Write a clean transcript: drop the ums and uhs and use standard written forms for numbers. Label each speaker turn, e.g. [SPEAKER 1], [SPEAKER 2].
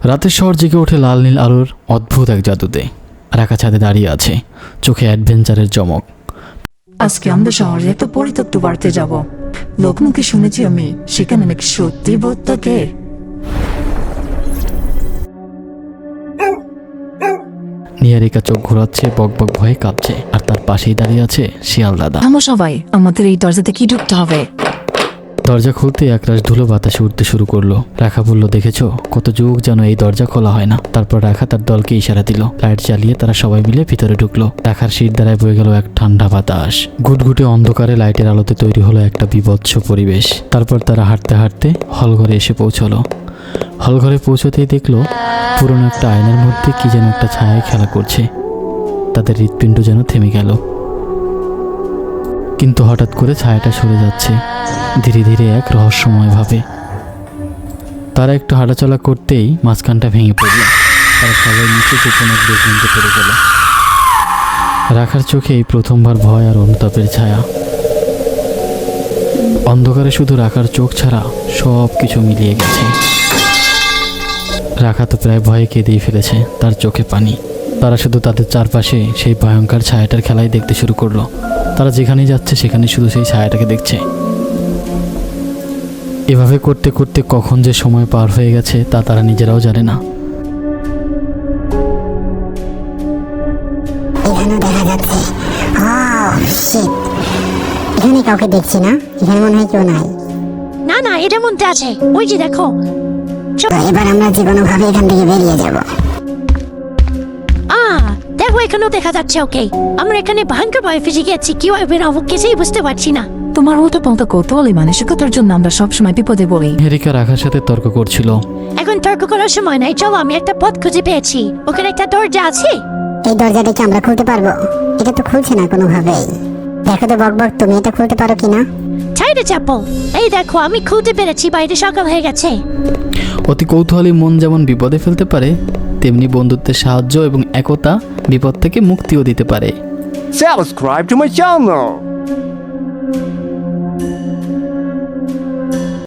[SPEAKER 1] রাতের শহর জেগে ওঠে লাল নীল আলোর অদ্ভুত এক জাদুতে। রাখা ছাদে দাঁড়িয়ে আছে, চোখে অ্যাডভেঞ্চারের চমক।
[SPEAKER 2] আজকে আমরা শহরে একটা পরিত্যক্ত বাড়িতে যাব। লোকমুখে শুনেছি আমি সেখানে নাকি সত্যি ভূত থাকে।
[SPEAKER 1] নিহারিকা চোখ ঘোরাচ্ছে, বকবক ভয়ে কাঁপছে, আর তার পাশেই দাঁড়িয়ে আছে শিয়াল দাদা।
[SPEAKER 2] আমরা সবাই আমাদের এই দরজাতে কি ঢুকতে হবে?
[SPEAKER 1] দরজা খুলতে একরাশ ধুলো বাতাসে উঠতে শুরু করলো। রাখা বলল, দেখেছো কত যুগ যেন এই দরজা খোলা হয় না। তারপর রাখা তার দলকে ইশারা দিল। লাইট জ্বালিয়ে তারা সবাই মিলে ভিতরে ঢুকলো। রাখার শির দ্বারায় বয়ে গেল এক ঠান্ডা বাতাস। ঘুটঘুটে অন্ধকারে লাইটের আলোতে তৈরি হলো একটা বিভৎস পরিবেশ। তারপর তারা হাঁটতে হাঁটতে হলঘরে এসে পৌঁছলো। হলঘরে পৌঁছতেই দেখলো পুরনো একটা আয়নার মধ্যে কি যেন একটা ছায়ায় খেলা করছে। তাদের হৃৎপিণ্ড যেন থেমে গেল। কিন্তু হঠাৎ করে ছায়াটা সরে যাচ্ছে ধীরে ধীরে এক রহস্যময় ভাবে। তারা একটু হাঁটাচলা করতেই মাঝখানটা ভেঙে পড়ল। তারা সবাই নিচে গোপন এক বেসমেন্টে পড়ে গেল। রাখার চোখে এই প্রথমবার ভয় আর অনুতাপের ছায়া। অন্ধকারে শুধু রাখার চোখ ছাড়া সব কিছু মিলিয়ে গেছে। রাখা তো প্রায় ভয়ে কেঁদেই ফেলেছে, তার চোখে পানি। তারা শুধু তাদের চারপাশে সেই ভয়ঙ্কর ছায়াটার খেলাই দেখতে শুরু করলো। তারা যেখানেই যাচ্ছে সেখানে শুধু সেই ছায়াটাকে দেখছে। এভাবে করতে করতে কখন যে সময় পার হয়ে গেছে তা তারা নিজেরাও জানে না।
[SPEAKER 3] এখানে দেখা যাচ্ছে। এখানে কাউকে দেখছি না, এখানে মনে হয় কেউ নাই।
[SPEAKER 4] না না, এটার মধ্যে আছে, ওই যে দেখো।
[SPEAKER 3] এবার আমরা যে কোনো ভাবে এখান থেকে বেরিয়ে যাব।
[SPEAKER 4] দেখো এখানেও দেখা যাচ্ছে। ওকে, আমরা এখানে ভয়ঙ্কর ভয়ে ফেসে গেছি, কি হবে না কিছুই বুঝতে পারছি না।
[SPEAKER 2] তোমার মতো পন্থা কৌতূহলী মানসিকতার জন্য আমরা সবসময় বিপদে পড়ি।
[SPEAKER 1] নিহারিকা রাখার সাথে তর্ক করছিল।
[SPEAKER 4] এখন তর্ক করার সময় নাই, চলো আমি একটা পথ খুঁজে পেয়েছি। ওখানে একটা দরজা আছে।
[SPEAKER 3] এই দরজাটা কি আমরা খুলতে পারবো? এটা তো খুলছে না কোনোভাবেই। দেখো তো বকবক, তুমি এটা খুলতে পারো কিনা?
[SPEAKER 4] ছাইড়ে চাপো। এই দেখো আমি খুলতে পেরেছি, বাইরে সকাল হয়ে গেছে।
[SPEAKER 1] অতি কৌতূহলী মন যেমন বিপদে ফেলতে পারে, তেমনি বন্ধুত্বের সাহায্য এবং একতা বিপদ থেকে মুক্তিও দিতে পারে।
[SPEAKER 5] Subscribe to my channel.